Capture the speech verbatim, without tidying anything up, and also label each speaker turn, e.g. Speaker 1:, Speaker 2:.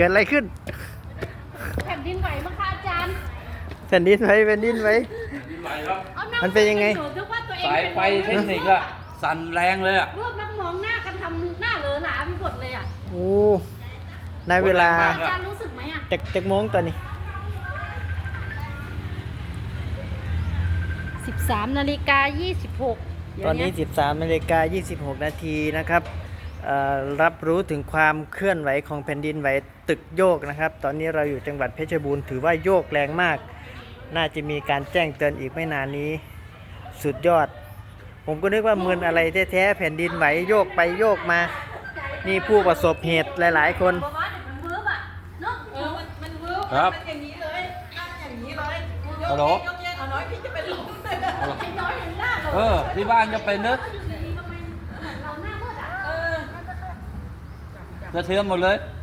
Speaker 1: กิดอะไรขึ้น
Speaker 2: แผ่นดินไหวมั้งคะอาจารย์
Speaker 1: แผ่นดินไหวแผ่นดินไหวมันเป็นยังไง
Speaker 3: สายไฟเทคนิคอะสั่นแรงเลยอะ
Speaker 2: รวบนักมองหน้ากันทำหน้าเหลอหลาไปหมดเลยอะ
Speaker 1: โอ้ในเวลา
Speaker 2: อาจารย์รู้สึกไหมอะ
Speaker 1: เจ็กเจ็กโมงตอนนี้
Speaker 2: สิบสามนาฬิกายี่สิบหก
Speaker 1: ตอนนี้สิบสามนาฬิกายี่สิบหกนาทีนะครับรับรู้ถึงความเคลื่อนไหวของแผ่นดินไหวตึกโยกนะครับตอนนี้เราอยู่จังหวัดเพชรบูรณ์ถือว่าโยกแรงมากน่าจะมีการแจ้งเตือนอีกไม่นานนี้สุดยอดผมก็นึกว่ามึนอะไรแท้ๆแผ่นดินไหวโยกไปโยกมานี่ผู้ประสบเหตุหลายๆคน
Speaker 3: ครับฮัลโหลเออที่บ้านจะเป็นนึกกระเทือมหมดเลย